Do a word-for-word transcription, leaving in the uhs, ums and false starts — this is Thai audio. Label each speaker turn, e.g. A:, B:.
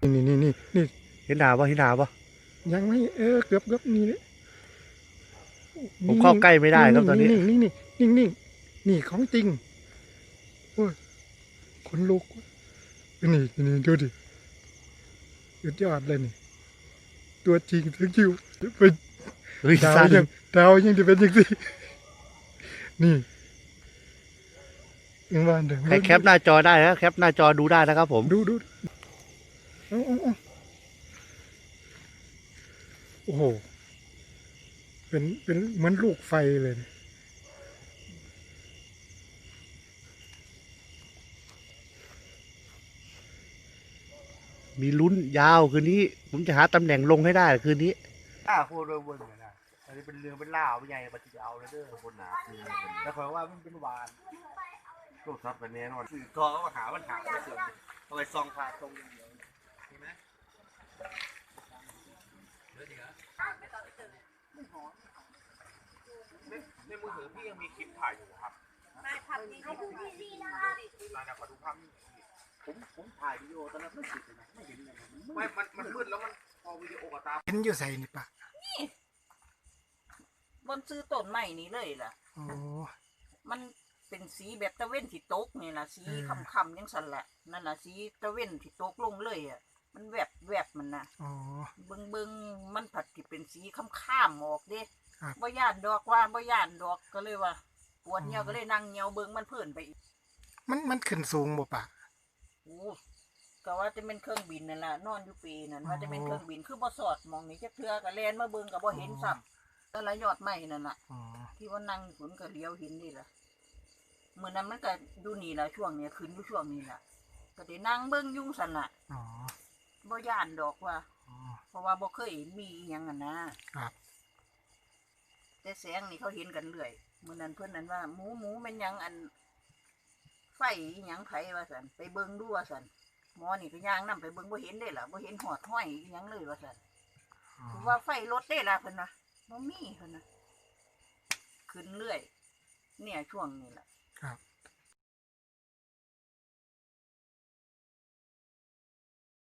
A: นี่นี่นี่นี่
B: เห็นหนาปะเห็นหนาปะ
A: ยังไม่เออเกือบเกือบนี่เลย
B: ผมเข้าใกล้ไม่ได้ครับตอนนี้
A: นิ่งนิ่งนิ่งนิ่งนิ่งนี่ของจริงโอ้ยขนลุกนี่นี่ดูดิสุดยอดเลยนี่ตัวจริงถึงคิวเป็น
B: เฮ้ย
A: ดาว
B: สั้น
A: ยังดาวยังจะเป็นอย่างนี้นี่ยังว่าเดิม
B: ใครแคปหน้าจอได้นะแคปหน้าจอดูได้นะครับผม
A: ดูดูเอาเอาเอาโอ้โหเป็นเป็นเหมือนลูกไฟเลยนะ
B: มีลุ้นยาวคืนนี้ผมจะหาตำแหน่งลงให้ได้คืนนี้อ้าโคเรือเบิ้งนะอันนี้เป็นเรือเป็นล่าเป็นใหญ่ปฏิจะเอาเลยเด้อคนหนาแล้วคอยว่ามันเป็นวานลูกซับกันแน่นอนสื่อทอเขาหาปัญหาไปเสริมเอาไปซองพาตรงอย่างเดียวเห็นไหมในมือถือพี่ยังมีคลิปถ่ายอยู่ครับไม่ทำดีดีๆนะคะลายนะขอดูภาพนี้ผมผมถ่ายวิดีโอตอนนั้นไม่ติดเลยนะไม่เห็นเลยไม่มันมันมืดแล้วมันพอวิดีโอกับตา
A: เห็นอยู่ใส่นี่ปะ
C: นี่บนซื้อต้นใหม่นี้เลยล่ะ
A: โอ้
C: มันเป็นสีแบบตะเว้นที่ตกนี่ล่ะสีคำๆยังสั่นแหละนั่นน่ะสีตะเว้นที่ตกลงเลยอ่ะมันแวบแวบมันนะ
A: อ๋อ
C: เบิงเบิงมันผัดที่เป็นสีค้ำๆออกเด้
A: ครับ
C: บ่ย่านดอกว่าบ่ย่านดอกก็เลยว่าปวดเหี่ยวก็เลยนั่งเหี่ยวเบิงมันเพิ่นไปอีก
A: มันมันขึ้นสูงบ่ปะ
C: โอ้ก็ว่าจะเป็นเครื่องบินนั่นล่ะนอนอยู่ปีนั่นว่าจะเป็นเครื่องบินคือบ่สอดมองนี่จักเทื่อก็แล่นมาเบิ่งก็บ่เห็นซ้ำแต่ละยอดไม้นั่นน่ะ
A: อ๋อ
C: ที่ว่านั่งฝนก็เลี้ยวเห็นนี่ล่ะมื้อนั้นมันก็ดูนี่ล่ะช่วงนี้ขึ้นอยู่ช่วงนี้ล่ะก็ได้นั่งเบิ่งยุ่งสั่นล่ะ
A: อ๋อ
C: บ่ย่านดอกว่า
A: อ๋อ
C: เพราะว่าบ่เคยมีอีหยังอ่ะนะครับแต่แสงนี่เขาเห็นกันเรื่อยมื้อนั้นเพิ่นนั้นว่าหมูหมูแม่นหยังอันไฟอีหยังไผว่าซั่นไปเบิ่งดูว่าซั่นหมอนี่ก็ย่างนำไปเบิ่งบ่เห็นได้ล่ะบ่เห็นหอดห้อยอีหยังเลยว่าซั่นคือว่าไฟรถได้ล่ะเพิ่นน่ะบ่มีเพิ่นน่ะขึ้นเรื่อยเนี่ยช่วงนี้ล่ะ
A: ครับ